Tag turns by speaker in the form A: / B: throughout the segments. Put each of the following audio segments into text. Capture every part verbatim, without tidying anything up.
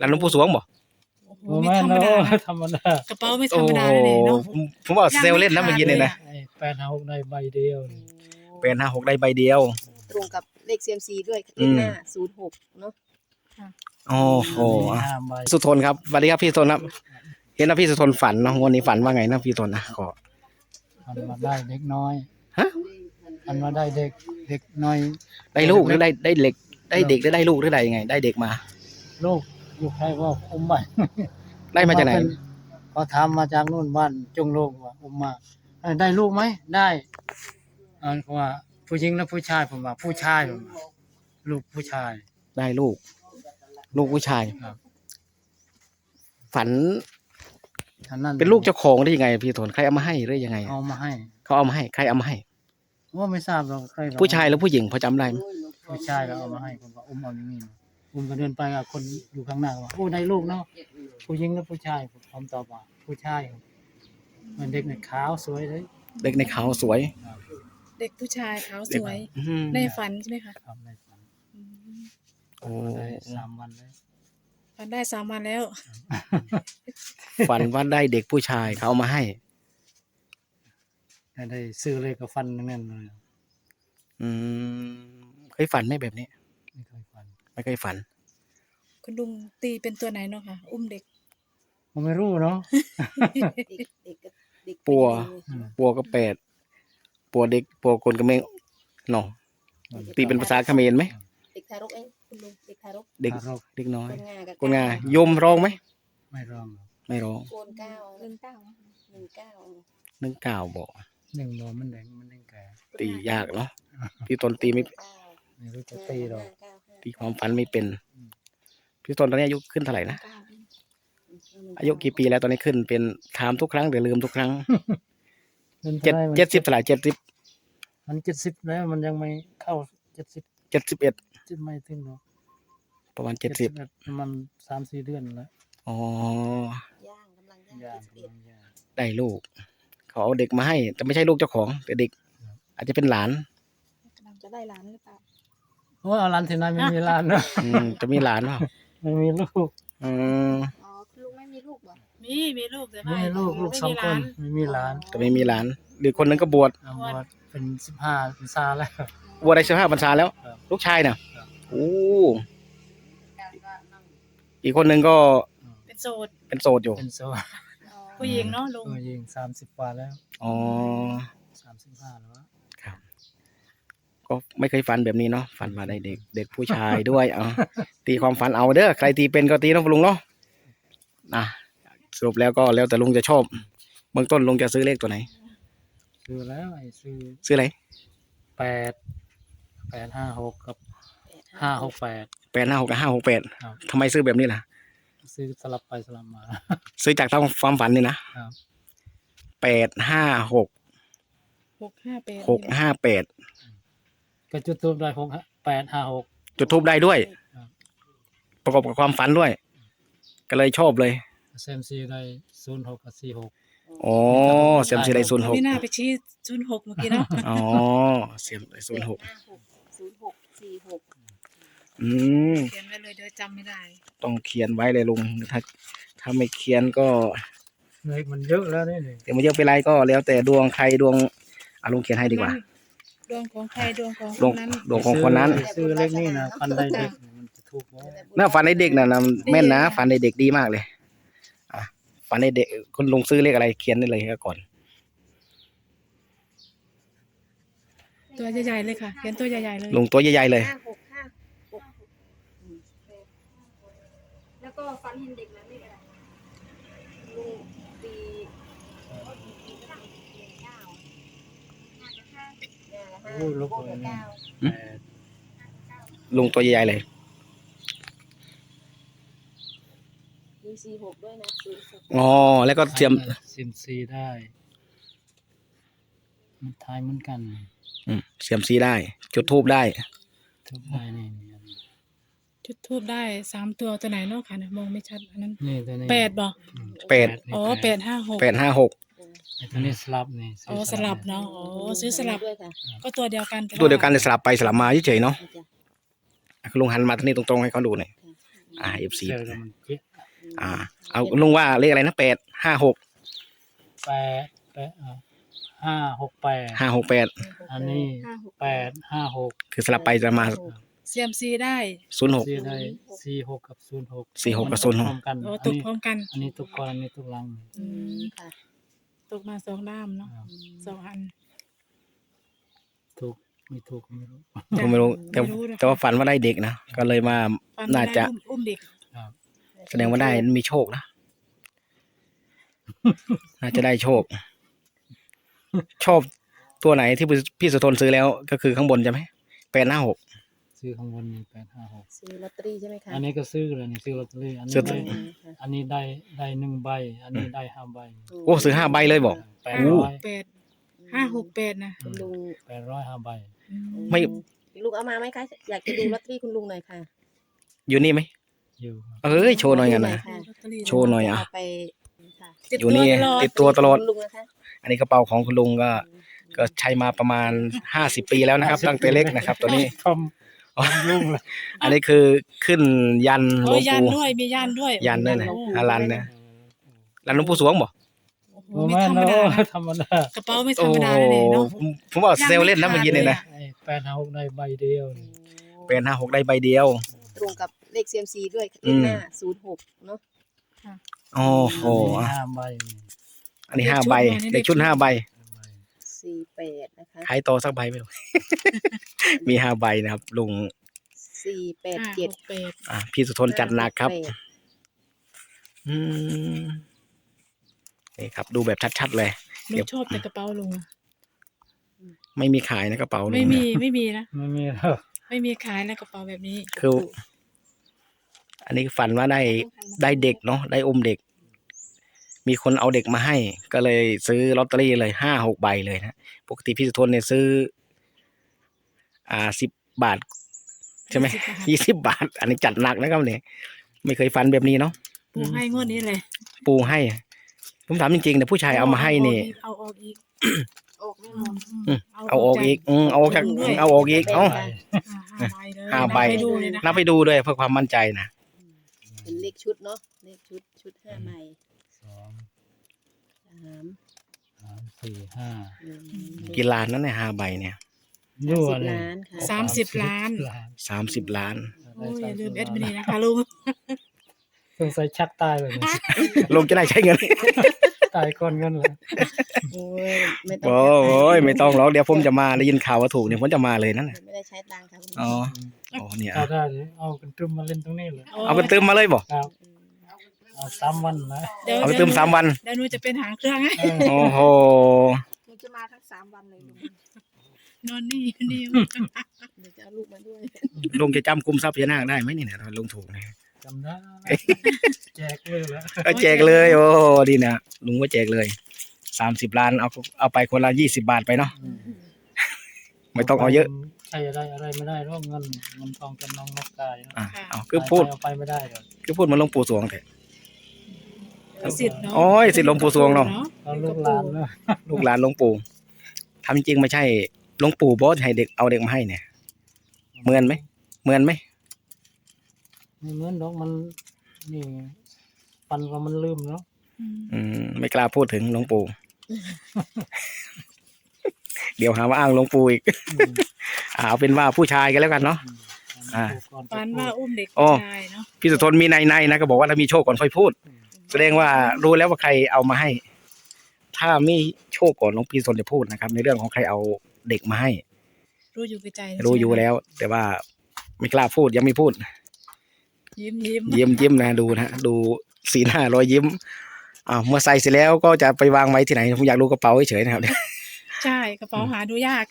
A: หลานหลวงปู่สวงบ่
B: โอ้ไม่ธรรมดาธรรมดาก
C: ระเป๋าไม่ธรรมดาเลยเนาะ
A: ผมว่าเซลเล่นนะเมื่อกี้เนี่ยนะ
B: แปดห้าหกในใบเดียว
A: แปดห้าหกได้ใบเดียว
D: ตรงกับเลข ซี เอ็ม ซี ด้วยเลขหน้าศูนย์หกเนาะ
A: โอ้โหสุทนครับสวัสดีครับพี่สุทนครับเห็นว่าพี่สุทนฝันเนาะวันนี้ฝันว่าไงนะพี่สุทนนะขอ
B: ฝันมาได้เด็กน้อย
A: ฮะ
B: ฝันมาได้เด็กเด็กน้อย
A: ได้ลูกหรือได้ได้เด็กได้เด็กหรือได้ลูกหรือได้ยังไงได้เด็กมา
B: ลูกลูกใครว่าอุ้มไป
A: ได้มาจากไหน
B: เขาถามมาจากนู่นบ้านจงโลกว่าอุ้มมาได้ลูกไหมได้อันว่าผู้หญิงและผู้ชายผมว่าผู้ชายผมลูกผู้ชาย
A: ได้ลูกลูกผู้ชาย
B: ครับ
A: ฝันเป็นลูกเจ้าของได้ยังไงพี่สุทนใครเอามาให้หรือยังไง
B: เอามาให้
A: เขาเอามาให้ใครเอามาให้
B: ว่าไม่ทราบหรอกใคร
A: ผู้ชายหรือผู้หญิงพอจำได้ไหม
B: ผู้ชายก็เอามาให้ผมว่าอุ้มเอาอย่างนี้อุ้มก็เดินไปกับคนอยู่ข้างหน้าว่าโอ้ได้ลูกเนาะผู้หญิงและผู้ชายผมตอบว่าผู้ชายมันเด็กในขาวสวยเลย
A: เด็กในขาวสวย
C: เด็กผู้ชายขาวสวยในฝันใช่ไหมคะ
B: ครับในฝัน
A: โอ้
B: สามวันเลย
C: ฝันได้สามวันแล้ว
A: ฝันว่าได้เด็กผู้ชายเขาเอามาให้
B: ได้ซื้อเลยกับฟันนั่นเลย
A: อืมเคยฝันไหมแบบนี้
B: ไม่เคยฝัน
A: ไม่เคยฝัน
C: คุณลุงตีเป็นตัวไหนเนาะค่ะอุ้มเด็ก
B: ผมไม่รู้เนาะ
A: ปัวปัวก็แปดปัวเด็กปัวคนกระเมงเนาะตีเป็นภาษาเขมรไหม
D: เด็กทารกเองคุณลุงเด็กทารก
A: เด็กเด็กน้อยกนงายมร้องไหม
B: ไม่ร้อง
A: ไม่ร้อง
D: โกนเก้าหนึ่งเก้าหนึ่งเก้า
A: หนึ่งเก้าบอก
B: หนึ่งโมมันแดงมันแดงแก่
A: ตียากเนาะพี่ตนตีไม่
B: ไม่รู้จะตีหรอก
A: ตีความฝันไม่เป็นพี่ตนตอนนี้อายุขึ้นเท่าไหร่นะอายุกี่ปีแล้วตอนนี้ขึ้นเป็นถามทุกครั้งแต่ลืมทุกครั้งเจ็ดเจ็ดสิบเท่าไหร่เจ็ดสิบ
B: มันเจ็ดสิบแล้วมันยังไม่เข้าเจ็ดสิบ
A: เจ็ดสิบเอ็ด
B: จะไม่ถึงหรอก
A: ประมาณเจ็ดสิบ
B: มันสามสี่เดือนแล้ว
A: อ๋
D: อย่างกำลังย่าง
A: ได้ลูกเขาเอาเด็กมาให้แต่ไม่ใช่ลูกเจ้าของแต่เด็กอาจจะเป็นหลาน
D: จะได้หลานหรือเปล่า
B: โอ้เอาหลานที่ไหนไม่มีหลานเนาะ
A: จะมีหลานเปล่า
B: ไม่มีลูก
A: อืม
D: อ๋อคุณลุงไม่มีลูกบ่
C: มีมีลูกแต่
B: ไม่มีลูกลูกสองคนไม่มีหลาน
A: แต่ไม่มีหลานหรือคนนึงก็บวช
B: บวชเป็นสิบห้าพรรษาแล้ว
A: บวชได้สิบห้าพรรษาแล้วลูกชายเนี่ยโอ้อีกคนนึงก็
C: เป็นโสด
A: เป็นโสดอยู่
B: เป็นโสด
C: ผู้หญิงเนาะลุง
B: ผู้หญิงสามสิบกว่าแล้ว
A: อ๋อ
B: สามสิบห้าแล้ว
A: ครับก็ไม่เคยฝันแบบนี้เนาะฝันมาได้เด็กเด็กผู้ชายด้วยเอาตีความฝันเอาเด้อใครตีเป็นก็ตีนะลุงเนาะนะสรุปแล้วก็แล้วแต่ลุงจะชอบเบื้องต้นลุงจะซื้อเลขตัวไหน
B: ซื้อแล้วไอ้ซื้อ
A: ซื้ออะไร
B: แปดแปดห้าหกกับห้าหกแปด
A: แปดห้าหกกับห้าหกแปดทำไมซื้อแบบนี้ล่ะ
B: ซื้อสลับไปสลับมา
A: ซื้อจากทางความฝันนี่นะแปดห้าหก
C: หกห้าแปด
A: หกห้าแปด
B: ก็จุดทูบได้หกแปดห้าหก
A: จุดทูบได้ด้วยประกอบกับความฝันด้วยก็เลยชอบเลย
B: เซมซีได้ศูนย์หกกับสี่หก
A: อ๋อเซมซีได้ศูนย์หก
C: ไม่น่าไปชี้ศูนย์หกเมื่อกี้เนาะ
A: อ๋อเซมได้ศูนย์หก
D: ศูนย์หกสี่หก
A: อืม
C: เขียนไว้เลยเดี๋ยวจำไม่ได้
A: ต้องเขียนไว้เลยลุงถ้าถ้าไม่เขียนก็
B: เลขมันเยอะแล้วนี่
A: แต่มันเยอะไปไรก็แล้วแต่ดวงใครดวงอ่ะลุงเขียนให้ดีกว่า
C: ดวงของใครดวงของคนนั้น
A: ดวงของคนนั้น
B: ซื้อเลขนี่นะฟันได้เด็กมันจะถูก
A: น่าฝันในเด็กน่ะนะแม่นนะฝันในเด็กดีมากเลยอ่ะฝันในเด็กคุณลุงซื้อเลขอะไรเขียนได้เลยก่อน
C: ตัวใหญ่ๆเลยค่ะเขียนตัวใหญ่ๆเลย
A: ลุงตัวใหญ่ๆเลย
D: แล้วก็ฟันเห็นเด็กนั้นนี่อะไรลุงตี
B: โอ้ลูก
A: ลุงตัวใหญ่ๆเลย
D: มีสี่หกด้วยนะ
A: อ๋อแล้วก็เทียม
B: ซิมซีได้มันทายเหมือนกัน
A: อืมเสียมซีได้จุดทูบได้
B: ทูบได้นี่
C: จุดทูบได้สามตัวตัวไหนเนาะค่ะมองไม่ชัดอันนั้น
B: นี่ตัวนี้
C: แปดบ่
A: แปด
C: อ๋อแปดห้าหก
A: แปดห้าหก
B: ตัวนี้สลับนี่
C: อ๋อสลับเนาะอ๋อซื้อสลับก็ตัวเดียวกัน
A: ตัวเดียวกันเลยสลับไปสลับมาเฉยๆเนาะลุงหันมาทางนี้ตรงๆให้เขาดูหน่อยอ่าเอฟซี
B: เจอแล้วมันเจ๊ะ
A: อ่า เอาลุงว่าเลขอะไรนะแปดห้าหก
B: แปดแปดอ่ะห้าหกแปด
A: ห้าหกแปด
B: อันนี้
D: ห้าหก
B: แปดห้าหก
A: คือสลับไปจะมา
C: เซียมซีได้
A: ศูนย์หก
B: สี่ได้สี่หกกับศูนย์หก
A: สี่หกกับ
B: มัน
A: ศูนย์หก
B: พร้อมกัน
C: โอ้
B: อัน
C: ตก
B: นี้
C: พร้อมกัน
B: อันนี้ตุกก่อนอันนี้ตุกหลัง
D: อืมค่ะ
C: ตกมาสองด้ามเนาะ
B: ครับ
C: สองอัน
B: ถูกไม่ถูกก็ไม่รู้
A: ผมไม่รู้แต่
C: ไม่รู้นะคะ
A: แต่ว่าฝันว่าได้เด็กนะก็เลยมา
C: ฟัน
A: น่า
C: ไม่
A: จะ
C: ได้อุ้มอุ้มเด็ก
B: ครับ
A: แสดงว่าได้มีโชคนะ น่าจะได้โชค ชอบตัวไหนที่พี่สุทนซื้อแล้วก็คือข้างบนใช่ไหมแปดห้าหก
B: ซื้อข้างบนมีแปดห้าหก
D: ซื้อลอตเตอรี่ใช่ไหมคะ
B: อันนี้ก็ซื้อเลยนี่ซื้อลอตเตอรี่อัน
A: ซื้
B: นี้
A: อ
B: ได้
D: อืมค่ะ
B: อันนี้ได้ได้หนึ่งใบ อันนี้ได้ห้าใบ
A: โอ้ซื้อห้าใบเลยบอก
B: แปด
C: ห้า
B: ร้
C: ห
B: อก ย
C: แปดห้าหกแปดนะ
D: คุณลุง
B: แปดร้อยห้าใบ
C: อืม
A: ไม่
D: ลุงเอามาไหมคะ อยากจะดูลอตเตอรี่คุณลุงหน่อยค่ะ
A: อยู่นี่ไหม
B: อยู่
A: เอ้ยโชว์หน่อยกันนะ
D: ค่ะ
C: ลอตเตอรี่
A: โชว์หน่อยอ่ะ
D: เาไปค่ะ
C: ติด
A: อยู่
C: ตัว
A: นี่
C: ตลอด
A: ติดตัวตลอด
D: คุณลุงนะคะ
A: อันนี้กระเป๋าของคุณลุงก็ ก็ใช้มาประมาณห้าสิบปีแล้วนะครับ ตั้งแต่เล็กนะครับ ตัวนี้
B: ทำทำยุ่งเลย
A: อันนี้คือขึ้นยันหล
C: โอ้
A: วย ง
C: ยัน
A: ปู่
C: ด้วยมียันด้วย
A: ยันด้วยนะ
C: โอ้โห
A: อารันนะรันหลวงปู่สวงบ่
C: โอ้โห
B: โอ้
C: ไม่
B: แม่
C: ธรร
B: น
C: มดา
B: เนาะ
C: นะ
B: ธรรมดาก
C: ระเป๋าไม่ธร
A: โอ้
C: รมดา
A: โห
C: เลยเนาะ
A: ผมผมว่าเซลลเล่นนะเมื่อกี้นี่นะ
B: ไอ้แปดห้าหกได้ใบเดียวนี่
A: เป็นห้าหกได้ใบเดียว
D: ตรงกับเลข ซี เอ็ม ซี ด้วย
A: อื
D: เลข
A: ม
D: หน้าศูนย์หกเนาะ
A: โอ้โห
B: อันนี้ห้าใบนี่
A: อันนี้ห้าใบเลขชุดห้าใบ
B: ห้าใบ
D: สี่แปดนะคะ
A: ขายต่อสักใบไม่รู้ มีห้าใบนะครับลุง
D: สี่แปด
C: ห้า
D: เจ็ด
C: หกแปด
A: อ่ะพี่สุทนจัดหนักครับ อืมนี่ครับ ดูแบบชัดๆเลย
C: ลุ
A: เดี๋ยว
C: งชอบแต่กระเป๋าลุงอะ
A: ไม่มีขายนะกระเป๋าลุง
C: ไม่มี
A: เนี่ย
C: ไม่มีนะ
B: ไม่มีแล้ว
C: ไม่มีขายนะกระเป๋าแบบนี้
A: คือ อันนี้ฝันว่าได้ได้เด็กเนาะได้อมเด็ก มีคนเอาเด็กมาให้ ก็เลยซื้อลอตเตอรี่เลยห้าหกใบเลยนะปกติพี่สุทนเนี่ยซื้อ อ่าสิบบาท ใช่ไหม
C: ยี่สิบบาท
A: ยี่สิบบาท อันนี้จัดหนักนะครับเนี่ยไม่เคยฝันแบบนี้เนาะ
C: ปูให้งวดนี้เลย
A: ปูให้ ผมถามจริงๆแต่ผู้ชายเอามาให้นี่
C: เอาออกอีก
D: ออกแน่น
C: อื
D: อ
C: ม
D: น
C: อืม
A: เอาออกอีกอืมเอาออกจากเอาออกอีกเอ้า
C: อ่าห้าใบเลย
A: ห้าใบ
C: นับไปดูเลยนะ
A: นับไปดูด้วยเพื่อความมั่นใจนะ
D: เป็นเลขชุดเนาะ เลขชุดชุดห้าใบ
B: สอง
D: สาม
B: สามสี่ห้า
D: หนึ่ง
A: กี่ล้านนั่นเนี่ยห้าใบเนี่ย
B: ยั่ว
D: สิบ
B: เลย
D: ล้านค่ะ
C: สามสิบล้าน
B: ล้าน
A: สามสิบล้าน
C: โอ้ยอย่าลืมเอ็ดมินีนะคะลุง
B: สงสัยชักตายเลย
A: ลงจะได้ใช้เงิน
B: ตายก่อนเงินเลย
D: โอ้ยไม่ต้อ
A: โอ้ยไม่ต้องหรอกเดี๋ยวผมจะมาได้ยินข่าวว่าถูกเนี่ยผมจะมาเลยนั่นน่ะ
D: ไม่ได้ใช้ตังค์ค่ะคุณ
A: อ๋ออ๋อเนี่ย
B: ถ้าได้เอากันตึมมาเล่นตรงนี้เลย
A: เอาไปเติมมาเลยบ่
B: ครับเอาสามวันนะ
C: เดี๋ยว
A: เอาไปเติมสามวัน
C: เดี๋ยวหนูจะเป็นหางเครื่องให้
B: เออ
A: โอ้โห
D: มันจะมาทั้งสามวันเลยลุง
C: นอนนี่นี่
D: เดี๋ยวจะเอาลูกมาด้วย
A: ลุงจะจำคุมทรัพย์พญานาคได้ไหมนี่เนี่ยถ้าลุงถูกเนี่ย
B: จำได้แจกเลยแล้ว
A: ก็แจกเลย โอ้ดีนะลุงว่าแจกเลยสามสิบล้านเอาเอาไปคนละยี่สิบบาทไปเนาะไม่ต้องเอาเยอะ
B: ใช่อะไรอะไรไม่ได้หรอกเงินเงินทองจำนองนกกายนะ
A: อ่ะเอาคือพูด
B: เอาไปไม่ได้เลย
A: คือพูดเหมาหลวงปู่สวงเถอะ
C: สิทธิ์เนาะ
A: โอ้ยสิทธิ์หลวงปู่สวงเนาะ
B: เราลูกหลานเนาะ
A: ลูกหลานหลวงปู่ทำจริงๆไม่ใช่หลวงปู่บอสให้เด็กเอาเด็กมาให้เนี่ยเหมือนไหมเหมือนไหม
B: ไม่เหมือนดอกมันนี่ปันว่ามันลืมเนาะ
C: อืม
A: อืมไม่กล้าพูดถึงหลวงปู่ เดี๋ยวหาว่าอ้างหลวงปู่อีก
B: อืม
A: อ่าเอาเป็นว่าผู้ชายกันแล้วกันเนาะ อ่า
C: ฝันว่าอุ้มเด็ก
A: โอ้
C: ผู้ชายเนาะ
A: พี่สุทนมีในในๆนะก็บอกว่าถ้ามีโชคก่อนค่อยพูด แสดงว่ารู้แล้วว่าใครเอามาให้ ถ้ามีโชคก่อนหลวงพี่สุทนจะพูดนะครับ ในเรื่องของใครเอาเด็กมาให้
C: รู้อยู่กับใจนะ
A: รู้อยู่แล้ว แต่ว่าไม่กล้าพูดยังไม่พูด
C: ยิ้มยิ้ม
A: ยิ้มยิ้มนะดูนะดูสีหน้ารอยยิ้มอ่าวเมื่อใส่เสร็จแล้วก็จะไปวางไว้ที่ไหนผมอยากรู้กระเป๋าเฉยๆนะครับ
C: ใช่กระเป๋าหาดูยาก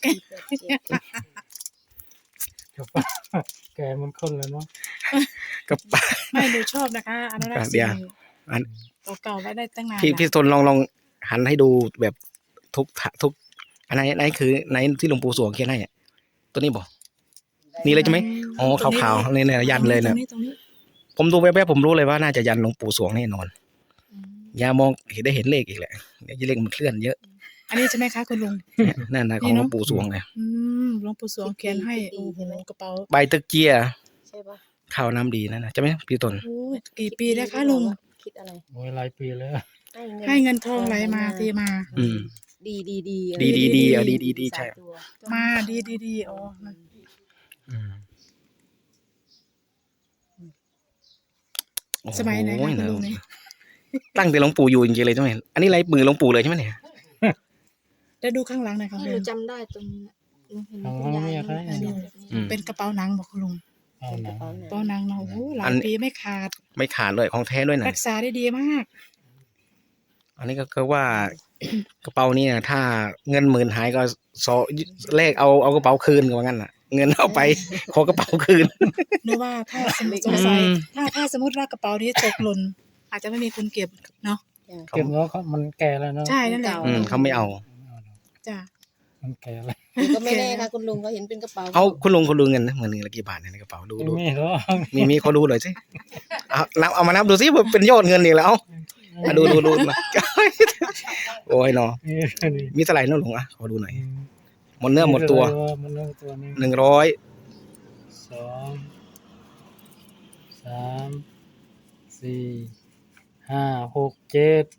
B: ครับแกมันคนเลยเนาะ
A: กระเป๋า
C: ไม่ดูชอบนะคะอนุรักษ์
A: เดี๋
C: สิ่
A: ยว
C: ง
A: อัน
C: เก่าๆไว้ได้ตั้งนาน
A: พี่
C: นะ
A: พี่สุทนลองลองหันให้ดูแบบทุกทะทุกอันไหนไหนคือไหนที่หลวงปู่สวงเขียนให้อะตัวนี้บอกนี่เลยใช่ไหมอ๋อขาวๆนี่เนี่ยยันเลย
C: ตร
A: นะ
C: งนี้ตรงนี้
A: ผมดูแวบๆผมรู้เลยว่าน่าจะยันหลวงปู่สวงแน่นอน
C: อืม
A: อย่ามองเห็นได้เห็นเลขอีกแหละเดี๋ยวเลขมันเคลื่อนเยอะ
C: อันนี้ใช่ไหมคะคุณลุง
A: เนี่ยนั่นนะของหลวงปู่สวงเลย
C: อืมหลวงปู่สวงเขียนให้โอ้โหกระเป๋า
A: ใบตะเกีย
D: ใช่ปะ
A: ข้าวน้ำดีนั่นนะใช่ไหมพี่ต้น
C: โอ้ยกี่ปีแล้วคะลุง
D: คิดอะไร
B: โอ้ยหลายปีแล้ว
C: ให้เงินทองไหลมาเทมา
A: อืม
D: ดีดีดี
A: ดีดีดีเอาดีดีดีใช่
D: สามตัว
C: มาดีดีดีอ๋อมัน
A: อืมโอ้โ
C: สมัยไหนคะคุณลุงนี่
A: ตั้งแต่หลวงปู่อยู่จริงๆเลยใช่ไหมอันนี้ไรมือหลวงปู่เลยใช่ไหมเนี่ย
C: แล้วดูข้างหลังหน่อยค่ะ
D: ห
C: ลุ
D: นู
C: ง
D: จำได้ตรงนี้หนูเห็น
B: ทาง
D: คุณ
B: มัน
D: ยาย
B: มีอะไร
D: เห็น
B: เนี่ย
D: แบบนี้
A: อืม
C: เป็นกระเป๋าหนังบอกคุณลุง
B: เอาหนัง
C: กระเป๋าหนังเนาะโอ้โหหลา
A: อั
C: ย
A: น
C: ปีไม่ขาด
A: ไม่ขาดเลยของแท้ด้วยนะ
C: รักษาได้ดีมาก
A: อันนี้ก็คือว่า กระเป๋านี่นะถ้าเงินหมื่นหายก็สอเลขเอาเอากระเป๋าคืนก็ว่างั้นน่ะ เงินเอาไป ขอกระเป๋าคืน
C: หนูว่าถ้าสมมติสงสัยถ้าถ้าสมมติว่ากระเป๋านี้ตกหล่นอาจจะไม่มีคนเก็บเนาะ
B: เก็บแล้วเขามันแก่แล้วเนาะ
C: ใช่นั่นแหละ
A: อืมเขาไม่เอา
C: จ้ะ
B: มันแก่แล้ว
D: ก็ไม่แน่ค่ะคุณลุงก็เห็นเป็นกระเป๋า
A: เอาคุณลุงคุณลุงเงินนะเงินละกี่บาทเนี่ยในกระเป๋าดูดู
B: ไม่หรอก
A: มีมีเขาดูหน่อยสิเอานับเอามานับดูสิว่าเป็นยอดเงินอีกแล้วเอาอ่ะดูดูดูมา โอ้ยเนาะ
B: นี่นี่
A: มีเท่าไหร่เนาะลุงอ่ะขอดูหน่อยหมดเนื้อหมดตัว
B: หมดเนื้อตัวนี้
A: หนึ่งร้อย
B: สองสามสี่ห้าหกเจ็ด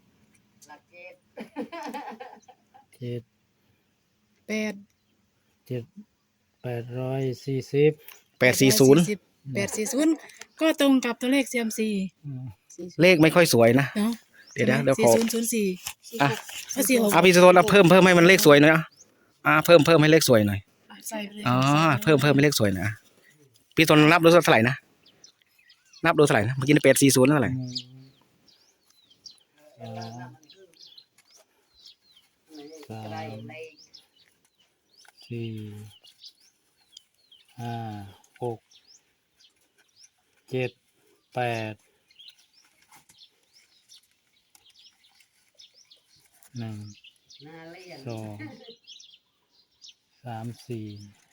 B: เจ็ด
C: แปด
B: เจ็ดแปดร้อยสี่สิบ
A: แปดสี่ศูนย์
C: แปดสี่ศูนย์ก็ตรงกับตัวเลขเซียมซี
A: เลขไม่ค่อยสวยนะ
C: เนาะ
A: เดี๋ยวนะเดี๋ยว
C: สี่
A: ขอ
C: ศูนย์ศูนย์สี่
A: อ่ะ
C: ก็สี่หก
A: อ่ะพี่สโตนเอาเพิ่มเพิ่มให้มันเลขสวยหน่อยอ่ะอ่าเพิ่มเพิ่มให้เลขสวยหน่อย
C: ใส่ไปเลย
A: อ๋อเพิ่มเพิ่มให้เลขสวยหนะพี่สโตนนับดูเท่าไหร่นะนับดูเท่าไหร่นะเมื่อกี้แปดสี่ศูนย์เท่าไหร่
B: หนึ่งสองสามสี่ห้าหกเจ็ดแปดหนึ่งสองสามสี่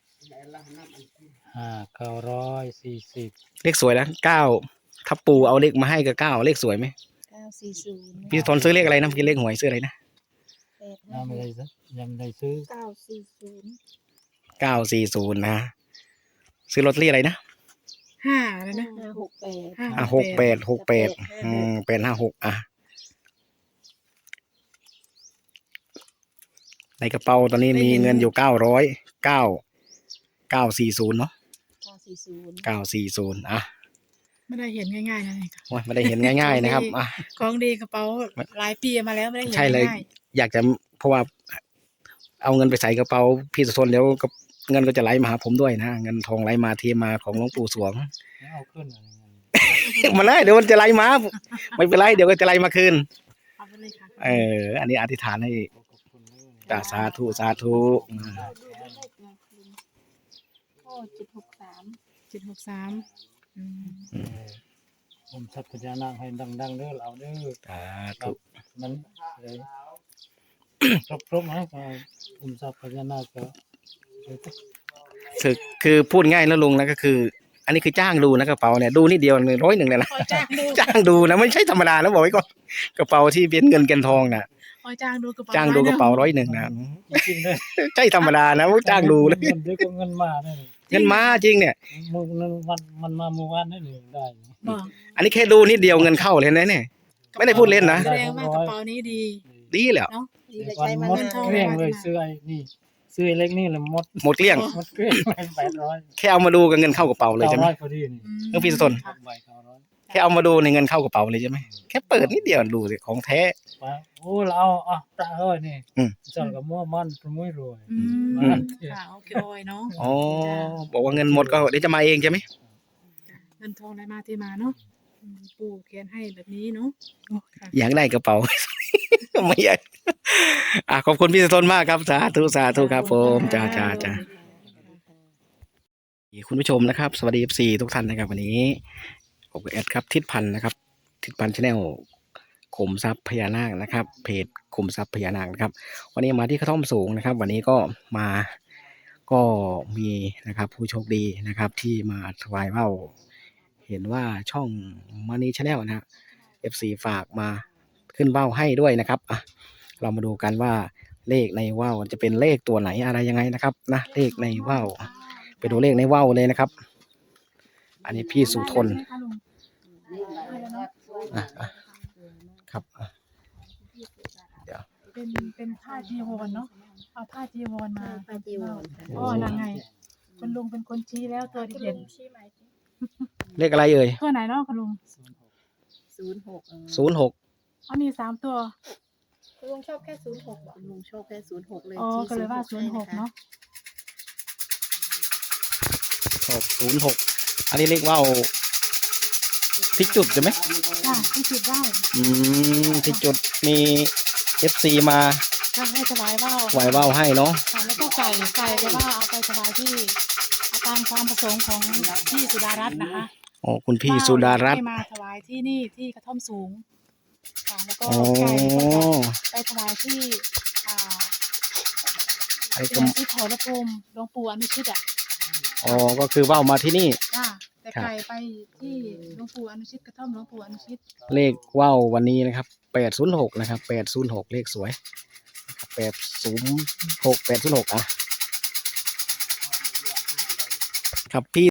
B: ห้าเก้าร้อยสี่สิบ
A: เลขสวยแล้วเก้าถ้าปู่เอาเลขมาให้ก็เก้าเลขสวยไหม
D: เก้าสี่ศูนย์
A: พี่สโตนซื้อเลขอะไรนะเมื่อกี้เลขหวยซื้ออะไรนะ
D: แปด
B: ยังไม่ได้ซื้อยังไม่ได้ซื้อ
D: เก้าสี่ศูนย์
A: เก้าสี่ศูนย์นะซื้อลอตเตอรี่อะไรนะ
C: ห้าแล้วนะ
D: ห้าหกแปด
C: ห้า
A: อ่ะหกแปดหกแปดอืมแปดห้าหกอ่ะในกระเป๋าตอนนี้มีเงินอยู่เก้าร้อยเก้าเก้าสี่ศูนย์เนาะ
D: เก้าสี่ศูนย์
A: เก้าสี่ศูนย์อ่ะ
C: ไม่ได้เห็นง่ายๆนะนี่ค่ะ
A: โอ้ยไม่ได้เห็นง่าย ๆ นะครับอ่ะ
C: ของดีกระเป๋าหลายปีมาแล้วไม่ได้เห็น
A: ใช่เลย
C: ง่าย
A: อยากจะเพราะว่า เอาเงินไปใส่กระเป๋าพี่สุทนแล้วก็เงินก็จะไหลมาหาผมด้วยนะเงินทองไหลมาเทมาของหลวงปู่สวง
B: แล้วเอาขึ้นอะไรเงี้ย
A: มาเลยเดี๋ยวมันจะไหลมาไม่เป็นไรเดี๋ยวก็จะไหลมาคืน
C: ๆเอาไปเลยค่ะ
A: เอออันนี้อธิษฐานให้
B: ขอบคุณเลย
A: จ้าสาธุสาธุอืม
D: ก็ดูเป็นเลขนะคุณโอ้เจ็ดหกสาม
C: เจ็ดหกสามอืม
B: เออผมสัพพญานาคให้ดังๆเด้อเราเด้อ
A: สาธุ
B: มันเลยครบครบนะก็ผมสัพพญานาคก็เลย
A: คือคือพูดง่ายแล้วลุงนะก็คือ อันนี้คือจ้างดูนะกระเป๋าเนี่ยดูนิดเดียวหนึ่งร้อยหนึ่งเลยนะ
C: คอยจ้างดู
A: จ้างดูนะไม่ใช่ธรรมดานะบอกไว้ก่อนกระเป๋าที่เป็นเงินเกินทองน่ะ
C: คอยจ้างดูกระเป๋า
A: จ้างดูกระเป๋าร้อยหนึ่งนะ
B: จริงๆเลย
A: ใช่ธรรมดานะจ้างดูเลย
B: เงินเดี๋ยวก็เงินมาได้เลย
A: เงินมาจริงเนี่ย
B: มือนั้นวันมันมาเมื่อวานได้เลยได้
C: บอก
A: อันนี้แค่ดูนิดเดียวเงินเข้าเลยนะเนี่ย ไม่ได้พูดเล่นนะ
C: แสดงว่ากระเป๋านี้ดี
A: ดีแล้ว
C: เนาะ
D: ดีเลย
B: วัน
D: ใช้มา
B: หมด
D: นาน
B: เกลี้ยงเลยซื้อไอ้นี่ซื้อไอ้เล็กนี่เลยหมด
A: หมดเกลี้ยง
B: หมดเกลี้ยงเลยแปดร้อย
A: แค่เอามาดูกับเงินเข้ากระเป๋าเลยใช่ไหม
B: เก้าร้อยพอดีนี่
C: อืม
A: เรื่องพี่สน
C: ค่ะ
B: ใบเก้าร้อย
A: แค่เอามาดูในเงินเข้ากระเป๋าเลยใช่ไหมแค่เปิดนิดเดียวดูสิของแท้
B: ว่าโอ้เราเอาอ่ะตาเอ้ยนี่
A: อืม
B: จอนกับมั่วมันประมุยรวย
C: อื
A: อื
C: ม
A: ม
C: ค่ะโอเคโอยเนาะ
A: อ๋อบอกว่าเงินหมดก็เดี๋ยวจะมาเองใช่ไหม
C: เงินทองไหลมาที่มาเนาะอืมปู่เขียนให้แบบนี้เนาะโอ้ค่ะ
A: อยากได้กระเป๋า ไม่อยากอ่ะขอบคุณพี่สนมากครับสาธุสาธุครับผมจ้าจ้าจ้า คุณผู้ชมนะครับ สวัสดี เอฟ ซี ทุกท่านนะครับ วันนี้ผมกับแอดครับทิศพันธ์นะครับ ทิศพันธ์ชาแนลขุมทรัพย์พญานาคนะครับ เพจขุมทรัพย์พญานาคนะครับ วันนี้มาที่กระท่อมสูงนะครับ วันนี้ก็มาก็มีนะครับ ผู้โชคดีนะครับ ที่มาถวายว่าวเห็นว่าช่องมานีชาแนลนะฮะ เอฟ ซี ฝากมาขึ้นว่าวให้ด้วยนะครับอ่ะเรามาดูกันว่าเลขในว่าวจะเป็นเลขตัวไหนอะไรยังไงนะครับนะเลขในว่าว ไปดูเลขในว่าวเลยนะครับอันนี้พี่สุทน
C: ได้ไหมคะลุงได้แล้วเนาะ
A: อ่ะอ่ะครับอ่ะเดี๋ยว
C: เป็นเป็นผ้าจีวรเนาะเอาผ้าจีวรมา
D: ผ้าจีวรค่ะ
C: อ๋อนั่นไงคุณลุงเป็นคนชี้แล้วตัวเด่น
D: ชี้ไหม
A: เลขอะไรเอ่ย
C: ตัวไหนเนาะคุณลุง
D: ศูนย์หก
A: ศูนย์หก
C: อ๋อมีสามตัว
D: คุณลุงชอบแค่ศูนย์หกคุณลุงชอบแค่ศูนย์หกเลย
C: อ๋อก็เลยว่าศูนย์หกเนาะ
A: หกศูนย์หกอันนี้เรียกว่าวที่จุดใช่ไหม
C: ค่ะที่จุดได้
A: อืมที่จุดมีเอฟซีมา
C: ค่ะให้ถวายว่าว
A: ไหวว่าวให้เนาะ
C: ค่ะแล้วก็ไก่ไก่ก็ว่าเอาไปถวายที่ตามความประสงค์ของพี่สุดารัตน์นะคะ
A: อ๋อคุณพี่สุดารัตน์
C: ให้มาถวายที่นี่ที่กระท่อมสูงค่ะแล้วก็
A: อ๋อ
C: ไก่ก็จะไปถวายที่อ่า
A: ไอ้ก
C: ที่ที่โถรภูมิหลวงปู่อนุชิตอ่ะ
A: อ๋อก็คือว่าวมาที่นี่
C: จ้าแต่
A: ครับ
C: ไก่ไปที่หลวงปู่อนุชิตกระท่อมหลวงปู่อนุชิต
A: เลขว่าววันนี้นะครับแปดศูนย์หกนะครับแปดศูนย์หกเลขสวยแปดศูนย์หกแปดศูนย์หกอ่ะครับพี่